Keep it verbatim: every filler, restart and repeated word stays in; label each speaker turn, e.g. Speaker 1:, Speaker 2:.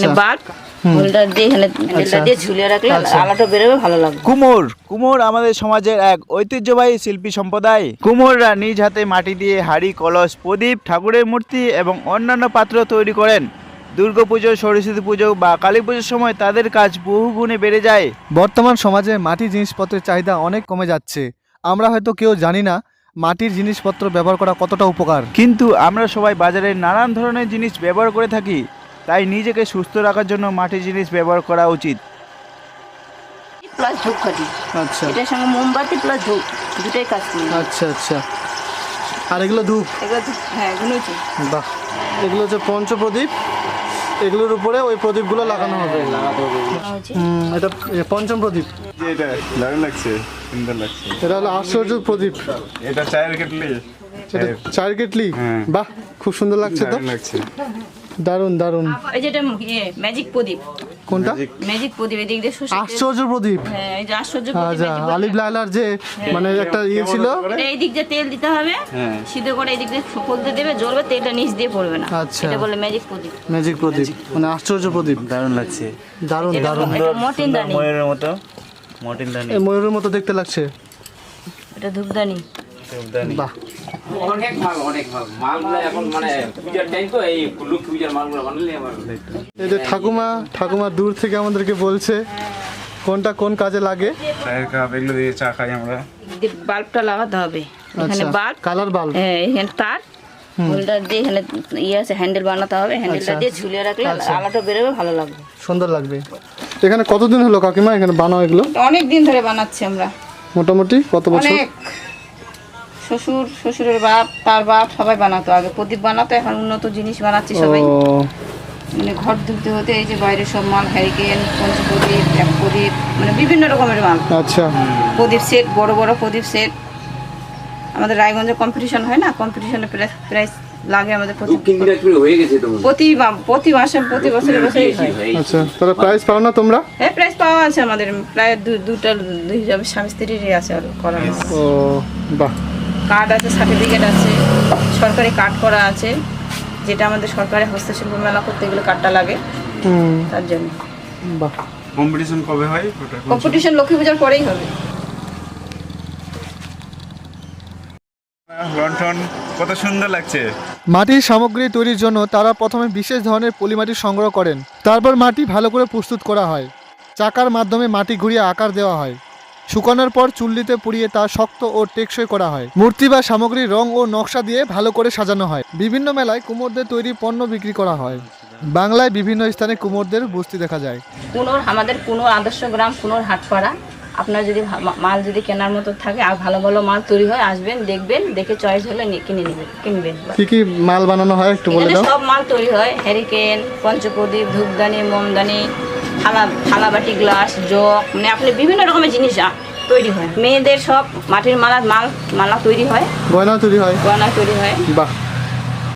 Speaker 1: Bulb holder দিয়ে এখানে হ্যান্ডেলটা দিয়ে ঝুলিয়ে রাখলে আলোটা বেরোবে, ভালো লাগবে।
Speaker 2: কুমোর কুমোর আমাদের সমাজের এক ঐতিহ্যবাহী শিল্পী সম্প্রদায়। কুমোররা নিজ হাতে মাটি দিয়ে হাড়ি, কলস, প্রদীপ, ঠাকুরের মূর্তি এবং অন্যান্য পাত্র তৈরি করেন। দুর্গাপুজো, সরস্বতী পুজো বা কালী পুজোর সময় তাদের কাজ বহু গুণে বেড়ে যায়।
Speaker 3: বর্তমান সমাজে মাটির জিনিসপত্রের চাহিদা অনেক কমে যাচ্ছে। আমরা হয়তো কেউ জানি না মাটির জিনিসপত্র ব্যবহার করা কতটা উপকার।
Speaker 2: কিন্তু আমরা সবাই বাজারে নানান ধরনের জিনিস ব্যবহার করে থাকি, তাই নিজেকে সুস্থ রাখার জন্য মাটির জিনিস ব্যবহার করা উচিত।
Speaker 1: প্লাস ধূপকাঠি,
Speaker 3: আচ্ছা
Speaker 1: এটার সঙ্গে মোমবাতি প্লাস ধূপ দুটোই কাজ করি।
Speaker 3: আচ্ছা আচ্ছা আর এগুলো ধূপ?
Speaker 1: এগুলো ধূপ, হ্যাঁ এগুলো হচ্ছে।
Speaker 3: বাহ, এগুলো হচ্ছে পঞ্চপ্রদীপ, এগুলোর উপরে ওই প্রদীপগুলো লাগানো হবে। হুম, এটা এ পঞ্চম প্রদীপ।
Speaker 4: এটা দারুণ লাগছে, সুন্দর লাগছে।
Speaker 3: এটা হলো আশ্চর্য প্রদীপ।
Speaker 4: এটা চায়ের কেটলি,
Speaker 3: এটা চায়ের কেটলি।
Speaker 4: হ্যাঁ।
Speaker 3: বাহ, খুব সুন্দর লাগছে তো,
Speaker 4: দারুণ লাগছে।
Speaker 3: দারুণ দারুণ।
Speaker 1: এই যেটা ম্যাজিক প্রদীপ,
Speaker 3: কোনটা?
Speaker 1: ম্যাজিক প্রদীপ, এদিক দিয়ে শোষে।
Speaker 3: আশ্চর্য প্রদীপ।
Speaker 1: হ্যাঁ এই যে আশ্চর্য
Speaker 3: আচ্ছা,
Speaker 1: প্রদীপ।
Speaker 3: আলিফ লায়লার যে মানে একটা ইয়ে ছিল।
Speaker 1: এটা এই দিক দিয়ে তেল দিতে হবে, সিদ্ধ করে এই দিক দিয়ে ফুলতে দেবে, জ্বলবে, তেলটা নিচ দিয়ে পড়বে না।
Speaker 3: আচ্ছা।
Speaker 1: এটা বলে ম্যাজিক প্রদীপ।
Speaker 3: ম্যাজিক প্রদীপ মানে আশ্চর্য প্রদীপ।
Speaker 2: দারুণ লাগছে,
Speaker 3: দারুণ দারুণ।
Speaker 1: এটা মর্টিন দানি,
Speaker 2: ময়ূরের মতো, মর্টিন দানি,
Speaker 3: এই ময়ূরের মতো দেখতে লাগছে।
Speaker 1: এটা ধূপদানি।
Speaker 3: বাহ,
Speaker 5: অনেক মাল, অনেক মাল মালগুলো এখন মানে পূজার টাইম তো, এই লক্ষ্মী পূজার মালগুলো বানালে আমার।
Speaker 3: এই যে ঠাকুমা ঠাকুমা দূর থেকে আমাদেরকে বলছে কোনটা কোন কাজে লাগে।
Speaker 4: চায়ের কাপ, এগুলো দিয়ে চা খাই আমরা।
Speaker 1: বাল্বটা লাগাতে হবে এখানে,
Speaker 3: আচ্ছা,
Speaker 1: বাল্ব,
Speaker 3: কালার বাল্ব।
Speaker 1: হ্যাঁ এখানে তার, হোল্ডার দিয়ে এখানে ইয়ে আছে, হ্যান্ডেল বানাতে হবে, হ্যান্ডেলটা দিয়ে ঝুলিয়ে রাখলে আলোটা বেরোবে, ভালো লাগবে,
Speaker 3: সুন্দর লাগবে। এখানে কতদিন হলো কাকিমা এখানে বানাও এগুলো?
Speaker 1: অনেক দিন ধরে বানাচ্ছি আমরা,
Speaker 3: মোটামুটি কত বছর?
Speaker 1: অনেক। শ্বশুর, শ্বশুরের বাপ, তার বাপ সবাই বানাতো আগে, প্রদীপ বানাতো, এখন উন্নত জিনিস বানাচ্ছি সবাই।
Speaker 3: ও,
Speaker 1: মানে ঘর ধুতে হতে এই যে বাইরে সব মাল, হ্যারিকেন, পঞ্চপ্রদীপ, এক প্রদীপ, মানে বিভিন্ন রকমের মাল,
Speaker 3: আচ্ছা।
Speaker 1: প্রদীপ সেট, বড় বড় প্রদীপ সেট। আমাদের রায়গঞ্জে কম্পিটিশন হয় না, কম্পিটিশনে প্রাইজ লাগে আমাদের প্রতি
Speaker 5: দক্ষিণ দিনাজপুরে হয়ে গেছে তো,
Speaker 1: প্রতি মা- প্রতি মাসে, প্রতি বছরে বছরে হয়।
Speaker 3: আচ্ছা, তাহলে প্রাইস পাও না তোমরা?
Speaker 1: হ্যাঁ প্রাইজ পাওয়া আছে আমাদের, প্রায় দু- দুটা দুই হিসাবে স্বামী স্ত্রীরই আছে আর করা আছে।
Speaker 3: ও বাহ,
Speaker 1: কার্ড আছে, সার্টিফিকেট আছে, সরকারি কার্ড করা আছে, যেটা আমাদের সরকারি হস্তশিল্প মেলা করতে গেলে কার্ডটা লাগে,
Speaker 3: হুম,
Speaker 1: তার জন্য।
Speaker 3: বাহ।
Speaker 4: কম্পিটিশন কবে হয় ওটা?
Speaker 1: কম্পিটিশন লক্ষ্মী পূজার পরেই হবে।
Speaker 4: লন্ঠন কত সুন্দর লাগছে।
Speaker 3: মাটির সামগ্রী তৈরির জন্য তারা প্রথমে বিশেষ ধরনের পলিমাটি সংগ্রহ করেন, তারপর মাটি ভালো করে প্রস্তুত করা হয়, চাকার মাধ্যমে মাটি ঘুরিয়ে আকার দেওয়া হয়, শুকানোর পর চুল্লিতে পুড়িয়ে তা শক্ত ও টেকসই করা হয়। মূর্তি বা সামগ্রীর রং ও নকশা দিয়ে ভালো করে সাজানো হয়। বিভিন্ন মেলায় কুমোরদের তৈরি পণ্য বিক্রি করা হয়। বাংলায় বিভিন্ন স্থানে কুমোরদের বস্তি দেখা যায়।
Speaker 1: কুনোর, আমাদের কুনোর আদর্শ গ্রাম, কুনোর হাটপাড়া। আপনার যদি ভা- মাল যদি কেনার মতো থাকে আর ভালো ভালো মাল তৈরি হয়, আসবেন, দেখবেন, দেখে চয়েস হলে নি- কিনে নেবেন, কিনবেন।
Speaker 3: কি কি মাল বানানো হয় একটু বলে
Speaker 1: এখানে
Speaker 3: দাও।
Speaker 1: সব মাল তৈরি হয়, হ্যারিকেন, পঞ্চপ্রদীপ, ধূপদানি, মোমদানি, থালা, থালাবাটি, গ্লাস, জগ, মানে আপনি বিভিন্ন রকমের জিনিস আ- তৈরি হয়। মেয়েদের সব মাটির মালা, মাল মালা তৈরি হয়,
Speaker 3: গয়না তৈরি হয়।
Speaker 1: গয়না তৈরি হয়।
Speaker 3: বাহ,